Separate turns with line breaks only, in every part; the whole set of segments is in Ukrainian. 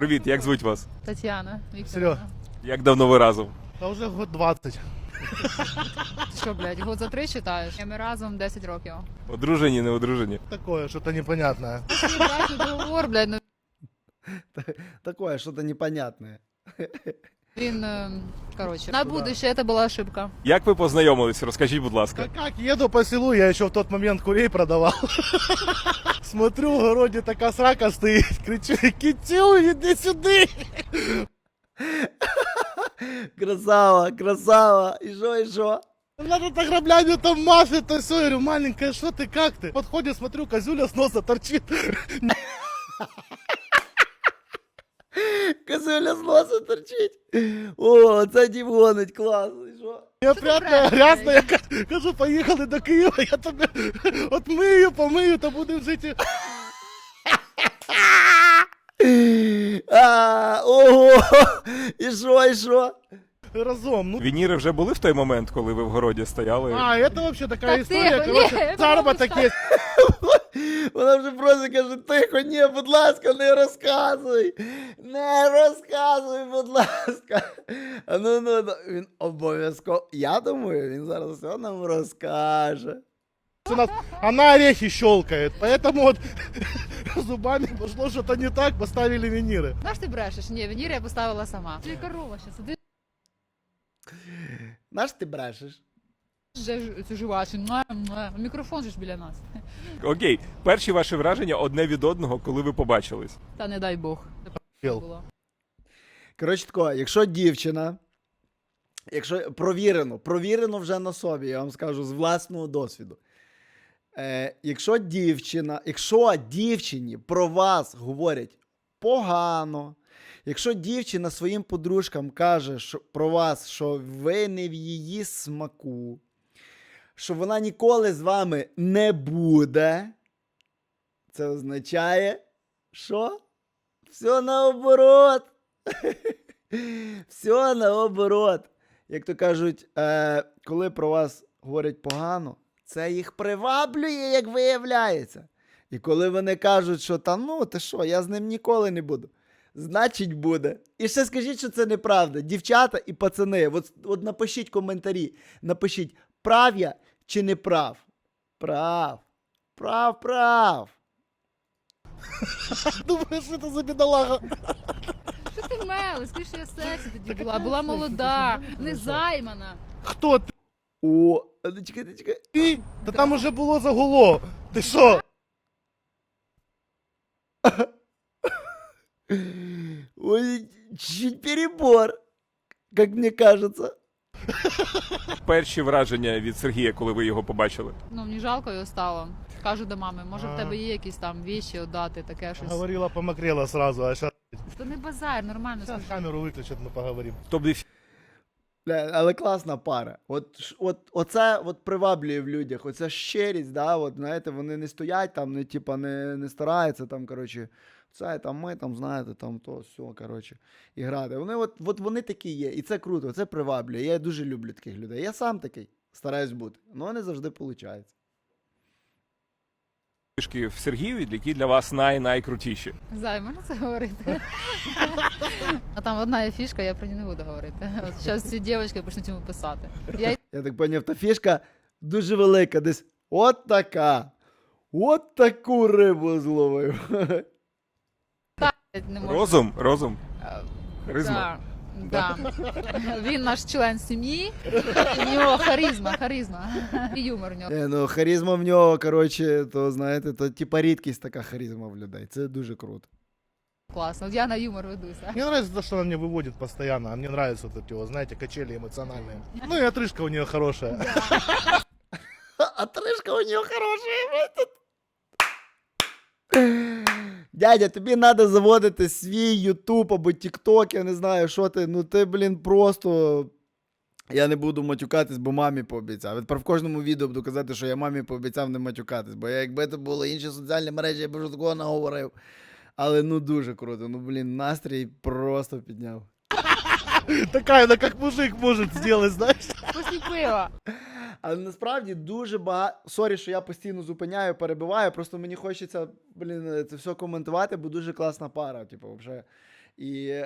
Привіт, як звуть вас?
Тетяна
Серьо.
Вікторівна.
Як давно ви разом?
Та вже год 20.
Що, блядь, год за 3 читаєш? Ми разом 10 років.
Одружені, не одружені?
Такое, что-то непонятное.
Мій брачний договор, блядь, ну
Такое что-то непонятное.
він, короче, на будущее это була ошибка.
Як ви познайомились? Розкажіть, будь ласка.
Да как, еду по селу, я еще в тот момент курей продавал. Смотрю, в огороде такая срака стоит, кричу: Китю, иди сюда!
Красава, красава. И шо?
Надо так граблями там машет, то все. Я говорю: маленькая, что ты, как ты? Подходит, смотрю, козюля с носа торчит.
Козуля з носа торчить. О, це дім гонить, класно. І що?
Я
ти
прятная,
брешеш,
грязная, я кажу: поехали до Киева, я тебе отмию, помию, то будем жить.
Ого! І що?
Разом. Ну,
Вініри вже були в той момент, коли ви в городі стояли?
это вообще такая
Так
история,
тихо,
короче,
не,
заработок
потому
есть.
Вона вже просто каже: тихо, ні, будь ласка, не розказуй. Не розказуй, будь ласка. Ну, він обов'язково. Я думаю, він зараз все нам розкаже.
У нас она орехи щелкает, поэтому вот зубами пошло что-то не так, поставили виниры.
Знаєш, ти брешеш? Ні, вінір я поставила сама. Ти корова ще сидиш,
Наш ти брешеш?
вже цю жувачу, мікрофон же ж біля нас.
Окей, перші ваші враження одне від одного, коли ви побачились.
Та не дай Бог.
Пел.
Було.
Коротше тако, якщо дівчина, якщо провірено вже на собі, я вам скажу з власного досвіду. Якщо дівчині про вас говорять погано, якщо дівчина своїм подружкам каже про вас, що ви не в її смаку, що вона ніколи з вами не буде, це означає, що все наоборот. Все наоборот. Як то кажуть, коли про вас говорять погано, це їх приваблює, як виявляється. І коли вони кажуть, що там, ну, ти що, я з ним ніколи не буду, значить буде. І ще скажіть, що це неправда. Дівчата і пацани, от напишіть коментарі, напишіть, прав я чи не прав. Прав.
Думаешь, что это за бедолага?
Що ти мелиш? Скажи, що я сексі тоді була молода, не займана.
Кто ты?
О, чекай.
Ты? Да там уже было загуло. Ты что?
Ой, чуть перебор, как мне кажется.
Перші враження від Сергія, коли ви його побачили.
Ну, мені жалко його стало. Кажу до мами, може в тебе є якісь там віші отдати, таке щось.
Говорила, помокрела сразу, а сейчас
То не базар, нормально скажи.
камеру выключат, мы поговорим.
Тобто
Бля, але класна пара. Оце приваблює в людях, оця щирість, да, от, знаєте, вони не стоять там, не стараються там, коротше, це там ми там, знаєте, там то, все, коротше, і грати. Вони вони такі є, і це круто, це приваблює. Я дуже люблю таких людей. Я сам такий, стараюсь бути, але не завжди виходить.
фішки в Сергієві, які для вас найкрутіші.
Зай, можна це говорити? А там одна є фішка, я про неї не буду говорити. От зараз ці дівчатки почнуть йому писати.
Я так поняв, та фішка дуже велика, десь от така. От таку рибу зловив.
Не можу.
Розум. Харизма.
Да. Він наш член сім'ї, і в нього харизма. І юмор в нього.
Ну, харизма в нього, коротше, то, знаєте, то типа рідкість така харизма в людей. Це дуже круто.
Класно. От я на юмор ведуся.
Мне нравится то, что она мне выводит постоянно, а мне нравятся вот эти, вот, знаете, качели эмоциональные. Ну и отрыжка у нее хорошая.
А тришка у нього хороша. Дядя, тобі треба заводити свій Ютуб або Тікток, я не знаю, що ти. Ну ти, блін, просто... Я не буду матюкатись, бо мамі пообіцяв. Тепер в кожному відео буду казати, що я мамі пообіцяв не матюкатись. Бо якби це були інші соціальні мережі, я б вже такого наговорив. Але ну дуже круто. Ну, блін, настрій просто підняв.
Такая, она как мужик может сделать, знаешь?
Після пива.
Але насправді дуже багато... Сорі, що я постійно зупиняю, перебиваю, просто мені хочеться, блін, це все коментувати, бо дуже класна пара. Типу, взагалі. І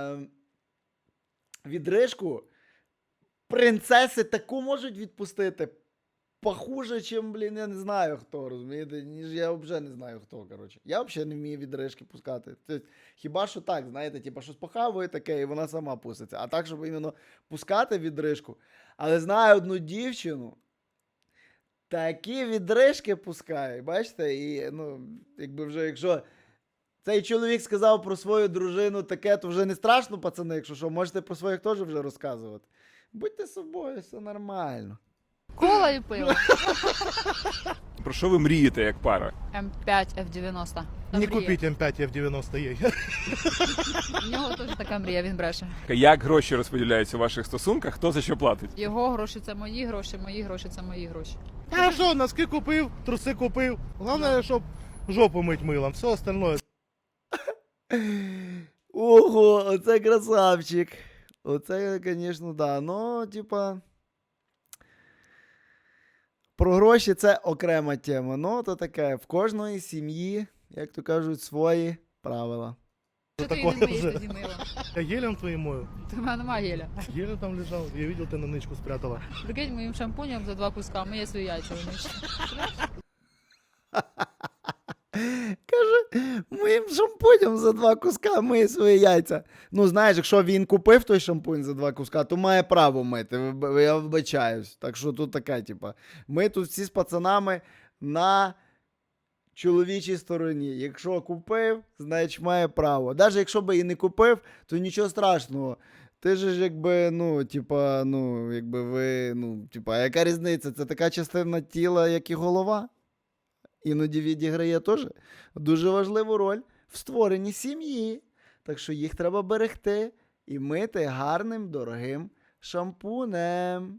відрижку принцеси таку можуть відпустити похуже, чим, блін, я не знаю хто, розумієте? Ніж я взагалі не знаю хто, коротше. Я взагалі не вмію відрижки пускати. Тобто, хіба що так, знаєте, типу, щось похавує таке, і вона сама пуститься. А так, щоб іменно пускати відрижку. Але знаю одну дівчину, такі відрижки пускає, бачите? І, ну, якби вже, якщо цей чоловік сказав про свою дружину таке, то вже не страшно, пацани, якщо що, можете про своїх теж вже розказувати. Будьте собою, все нормально.
Кола і пиво.
Про що ви мрієте як пара?
М5, F90. Та
Не
мрія.
купіть М5 F90 їй.
У нього теж така мрія, він бреше.
Як гроші розподіляються у ваших стосунках? Хто за що платить?
Його гроші це мої гроші це мої гроші.
А що, носки купив, труси купив. Головне, щоб жопу мить милом, все остальное.
Ого, оце красавчик. Оце, звісно, да. Ну, типа. Про гроші це окрема тема. Ну, то таке, в кожної сім'ї, як то кажуть, свої правила.
Що ти
такое
не миєш
вже?
тоді мило?
Я гелем твоїм мою.
У мене немає геля.
Гелем там лежав, я видел, ти на ничку спрятала.
Прикинь, моїм шампунем за 2 куска миє свої яйця виміщу.
Каже, моїм шампунем за 2 куска миє свої яйця. Ну, знаєш, якщо він купив той шампунь за 2 куска, то має право мити. Я вибачаюсь. Так що тут таке, типа. Ми тут всі з пацанами на чоловічій стороні. Якщо купив, значить має право. Навіть якщо би і не купив, то нічого страшного. Ти ж якби, якби ви, яка різниця? Це така частина тіла, як і голова. Іноді відіграє теж дуже важливу роль в створенні сім'ї. Так що їх треба берегти і мити гарним, дорогим шампунем.